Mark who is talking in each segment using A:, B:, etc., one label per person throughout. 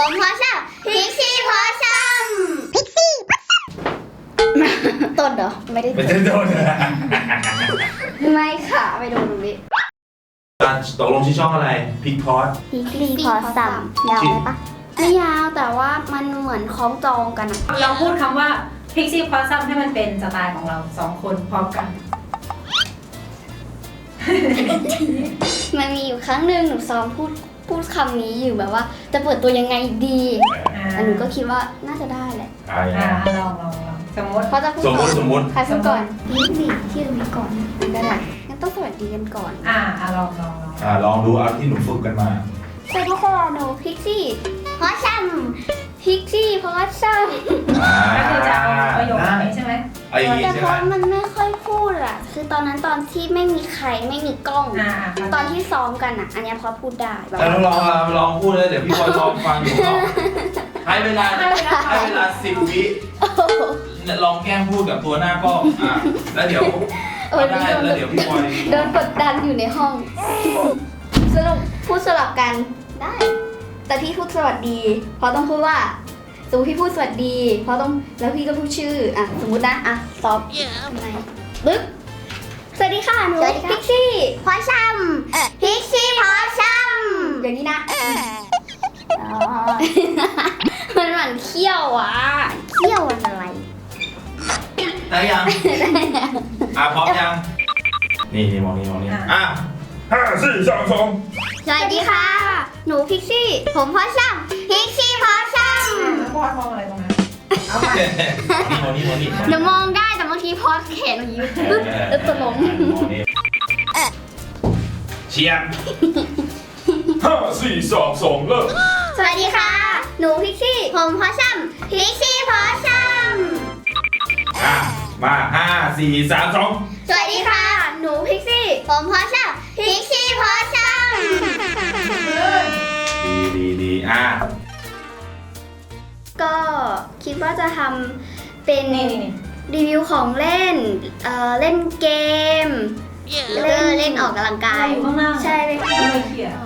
A: ผมพอช่ำพิกซี่พอช่ำพิกซี่ต้นเหรอไม่ได้
B: ไม่ใช่โดน
A: ไม่ค่ะไม่โดนตรงนี้
B: ตกลงชื่อช่องอะไรพิกพอด
A: พิกซี่พอช่ำยาวไหมปะไม่ยาวแต่ว่ามันเหมือนคล้องจองกันอะ
C: เราพูดคำว่า Pixie Possum ให้มันเป็นสไตล์ของเรา2 คนพร้อมกัน
A: มันมีอยู่ครั้งหนึ่งหนูซ้อมพูดคำนี้อยู่แบบว่า จะเปิดตัวยังไงดีแต่หนูก็คิดว่าน่าจะได้แหละ
C: ลองสมมติ
A: เพราะจะพูด
B: สมมติ
A: ใครพูดก่อนนี่ที่ตรงนี้ก่อนก็ได้งั้นต้องสวัสดีกันก่อน
C: ลอง
B: ลองดูเอาที่หนูฝึกกันมา
A: สวัสดีค่ะหนูพิกซี่พอช่ำพิกซี่พอช่ำ
C: ก็คือจะเอาประโยคนี้ใช่ไหม
B: ไอ้อย่างงี้
A: แต่
B: ใช่
A: เพ
B: ไหม
A: ราะมันไม่ค่อยพูดอะคือตอนนั้นตอนที่ไม่มีใครไม่มีกล้อง ตอนที่ซ้อมกันอะอันเนี้ยพอพูดได้แบบ
B: แต่ลองพูดเลยเดี๋ยวพี่บอยลองฟังอยู่ก่อนให้เวลา10 วิลองแกล้งพูดกับตัวหน้ากล้องแล้วเดี๋ยวได้แล้วเดี๋ยวพี่บอย
A: โดนกดดันอยู่ในห้อง สรุปพูดสลับกันได้ แต่พี่พูดสวัสดีเพราะต้องพูดว่าสมมติพี่พูดสวัสดีเพราะต้องแล้วพี่ก็พูดชื่อสมมตินะตอบทำไมปึ๊บสวัสดีค่ะหนูพิกซี่พอช่ำพิกซี่พอช่ำอย่างนี้นะมันเหมือนเขี้ยวเขี้ยวอะไร
B: ได้ยังพร้อมยังนี่มองนี่5 4 3 2
A: สวัสดีค่ะ หนูพิกซี่ผมพอช่ำพิกซี่พอช่ำ
C: พอดมองอะไรตรงนั้นเอามา
B: นี่
A: เดี๋ยวมองได้แต่บางทีพอสแขนอย่างนี้ปึ๊บแล้วตกลง
B: เชียร์5 4 3 2เริ่ม
A: สวัสดีค่ะ หนูพิกซี่ผมพอช่ำพิกซี่พอช่ำ
B: มา5 4 3 2
A: สวัสดีค่ะ หนูพิกซี่ผมพอช่ำพิกซี่พอช่ำ
B: ดี
A: ก็คิดว่าจะทำเป็น
C: นี่
A: รีวิวของเล่นเล่นเกมแล้วก็เล่นออกกำลังกาย
C: อยู่ข้างหน้า
A: ใช่เลย
C: ไม่เขียน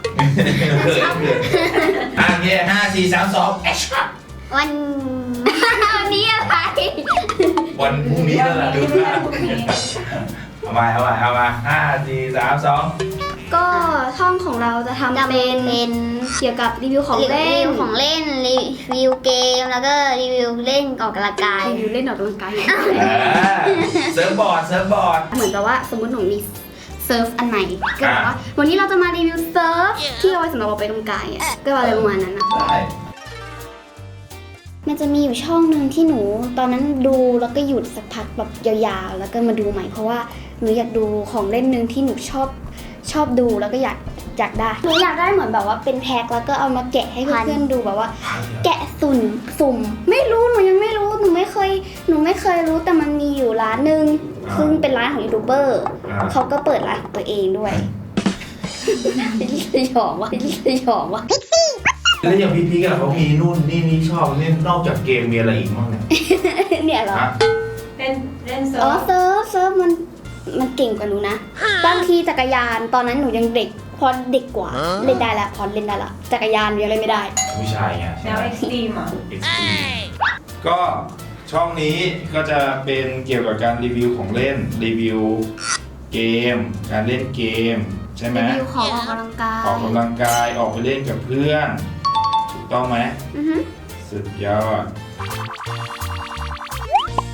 B: เงี้ย5 4 3 2แอคชั่น
A: วันนี้อะไร
B: วันพรุ่งนี้แล้วล่ะดูนะเอามา5 4 3 2
A: ก็ช่องของเราจะทำเป็นเกี่ยวกับรีวิวของเล่นรีวิวเกมแล้วก็รีวิวเล่นออกกำลังกายรีวิวเล่นออกกำลังกาย
B: เซิร์ฟบอร์ด
A: เหมือนกับว่าสมมติหนูมีเซิร์ฟอันไหนก็แบบว่าวันนี้เราจะมารีวิวเซิร์ฟที่เอาไว้สำหรับออกไปกำลังกายก็อะไรประมาณนั้นนะ
B: ได้
A: มันจะมีอยู่ช่องหนึ่งที่หนูตอนนั้นดูแล้วก็หยุดสักพักแบบยาวๆแล้วก็มาดูใหม่เพราะว่าหนูอยากดูของเล่นหนึ่งที่หนูชอบดูแล้วก็อยากได้หนูอยากได้เหมือนแบบว่าเป็นแพ็คแล้วก็เอามาแกะให้เพื่อนๆดูแบบว่า แกะสุ่มไม่รู้หนูยังไม่รู้หนูไม่เคยรู้แต่มันมีอยู่ร้านนึงซึ่งเป็นร้านของยูทูบเบอร์เขาก็เปิดร้านของตัวเองด้วยสยองวะ
B: แล้วอย่างพี่กันเขามีนู่นนี่ชอบนี่นอกจากเกมมีอะไรอีกบ้างเนี่ย
A: เนี่ยเหรอ
C: เล่นเซิ
A: อ๋อ
C: ร์ฟ
A: เซิร์ฟมันเก่งกว่าหนูนะบางทีจักรยานตอนนั้นหนูยังเด็กพอเด็กกว่าเล่นได้ละพอเล่นได้ละจักรยานยังเล่นไม่ได้
B: ผู้ชายไง
C: แนวเอ็กซ์ตรีมอ่ะ
B: ก็ช่องนี้ก็จะเป็นเกี่ยวกับการรีวิวของเล่นรีวิวเกมการเล่นเกมใช่ไหม
A: รีวิวของออกกำลังกาย
B: ออกกำลังกายออกไปเล่นกับเพื่อนถูกต้องไหม
A: อือฮึ
B: สุดยอด